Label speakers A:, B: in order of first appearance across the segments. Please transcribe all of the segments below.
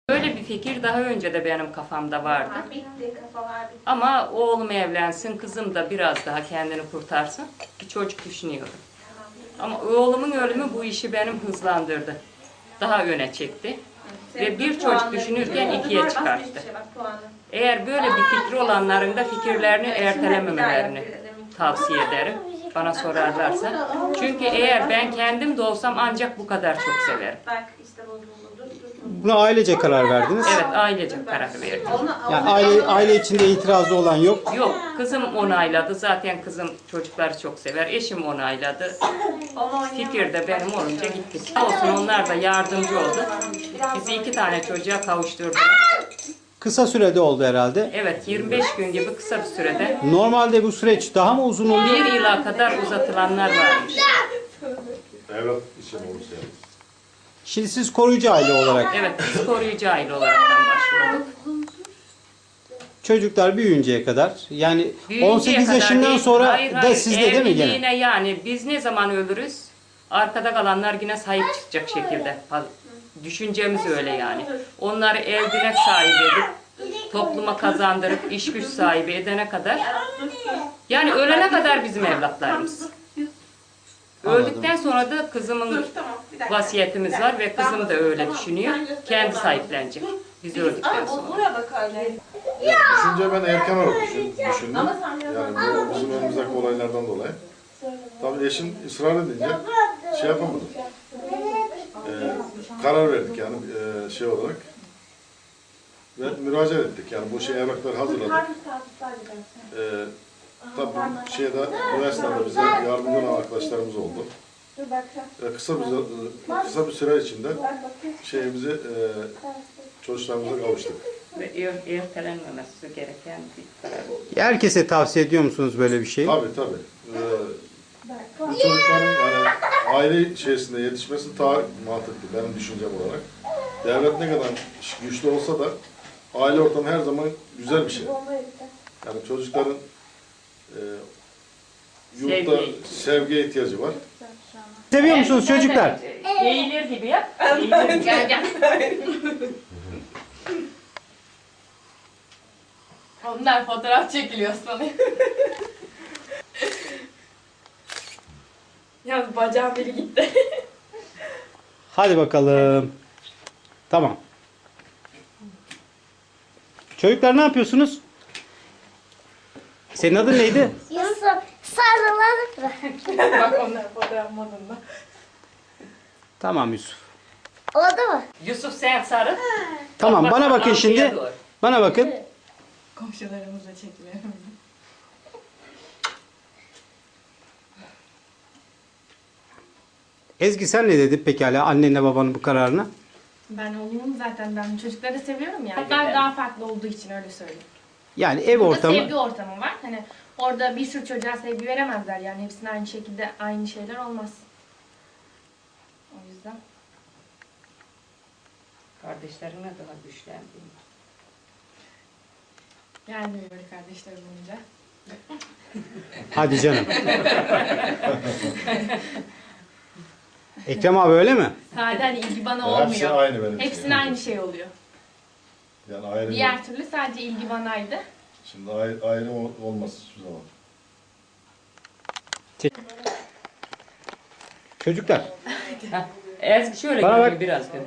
A: Böyle bir fikir daha önce de benim kafamda vardı. Ama oğlum evlensin, kızım da biraz daha kendini kurtarsın. Bir çocuk düşünüyordum. Ama oğlumun ölümü bu işi benim hızlandırdı. Daha öne çekti. Ve bir çocuk düşünürken ikiye çıkarttı. Eğer böyle bir fikri olanların da fikirlerini ertelememelerini tavsiye ederim. Bana sorarlarsa. Çünkü eğer ben kendim de olsam ancak bu kadar çok severim.
B: Buna ailece karar verdiniz.
A: Evet, ailece karar verdim.
B: Yani aile içinde itirazı olan yok.
A: Yok, kızım onayladı. Zaten kızım çocukları çok sever. Eşim onayladı. Fikir de benim olunca gittik. Olsun, onlar da yardımcı oldu. Bizi 2 tane çocuğa kavuşturdular.
B: Kısa sürede oldu herhalde.
A: Evet, 25 gün gibi kısa bir sürede.
B: Normalde bu süreç daha mı uzun oluyor?
A: 1 yıla kadar uzatılanlar varmış.
C: Evlat için olursa yani.
B: Şimdi siz koruyucu aile olarak
A: Evet, biz koruyucu aile olaraktan başvurduk.
B: çocuklar büyüyünceye kadar yani
A: Büyüyünceye
B: 18
A: kadar
B: yaşından
A: değil.
B: sonra
A: Hayır,
B: da
A: hayır.
B: sizde değil mi gene?
A: Evliliğine yani biz ne zaman ölürüz? Arkada kalanlar yine sahip çıkacak şekilde. Düşüncemiz öyle yani. Onları evlilik sahibi edip, topluma kazandırıp, iş güç sahibi edene kadar, yani ölene kadar bizim evlatlarımız. Öldükten sonra da kızımın vasiyetimiz var ve kızım da öyle düşünüyor. Kendi sahiplenecek. Biz öldükten sonra.
C: Düşünce ben erken olarak düşündüm. Yani bu bizim önümüzdeki olaylardan dolayı. Tabii eşim ısrar edince şey yapamadım. Karar verdik yani şey olarak. Ve müracaat ettik yani bu şey evrakları hazırladık. Tabii şeyde üniversitede bize yardımcı olan arkadaşlarımız oldu. Kısa bir süre içinde şeyimizi çocuklarımıza kavuştuk.
A: Ve ertelenmemesi gereken bir karar.
B: Herkese tavsiye ediyor musunuz böyle bir şeyi?
C: Tabii tabii. Bu çocukların yani aile içerisinde yetişmesi daha mantıklı benim düşüncem olarak. Devlet ne kadar güçlü olsa da aile ortamı her zaman güzel bir şey. Yani çocukların yurtta sevgiye ihtiyacı var.
B: Seviyor musunuz çocuklar?
A: Eğilir gibi yap. Eğilir gibi. Gel.
D: Onlar fotoğraf çekiliyor sanıyor. Yalnız bacağım biri gitti.
B: Hadi bakalım. Tamam. Çocuklar ne yapıyorsunuz? Senin adın neydi?
E: Yusuf sarılarak bırak.
D: Bak onlar fotoğraf modunda.
B: Tamam Yusuf.
E: Oldu mu?
A: Yusuf sen sarıl.
B: Tamam
A: Bak,
B: bana bakın
A: arkaya
B: şimdi.
A: doğru.
B: Bana bakın.
D: Komşularımızla çekiliyor.
B: Ezgi sen ne dedin pekala annenle babanın bu kararına?
D: Ben oğlumun zaten ben çocukları seviyorum ya. Ben daha farklı olduğu için öyle söyleyeyim.
B: Yani ev
D: Burada
B: ortamı.
D: sevgi ortamı var. Hani orada bir sürü çocuğa sevgi veremezler yani. Hepsine aynı şekilde aynı şeyler olmaz. O yüzden.
A: Kardeşlerine daha güçlendi.
D: Yani böyle kardeşler olunca.
B: Hadi canım. Ekrem abi öyle mi?
D: Sadece hani ilgi bana
C: Hepsi
D: olmuyor.
C: aynı benim için.
D: Hepsine aynı şey oluyor.
C: Yani ayrım,
D: Diğer türlü sadece ilgi banaydı.
C: şimdi ayrım olmaz hiçbir zaman.
B: Çocuklar.
A: Ezgi şöyle
B: Bana
A: görünüyor
B: bak.
A: biraz gör.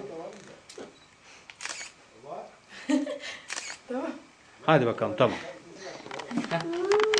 B: Hadi bakalım tamam.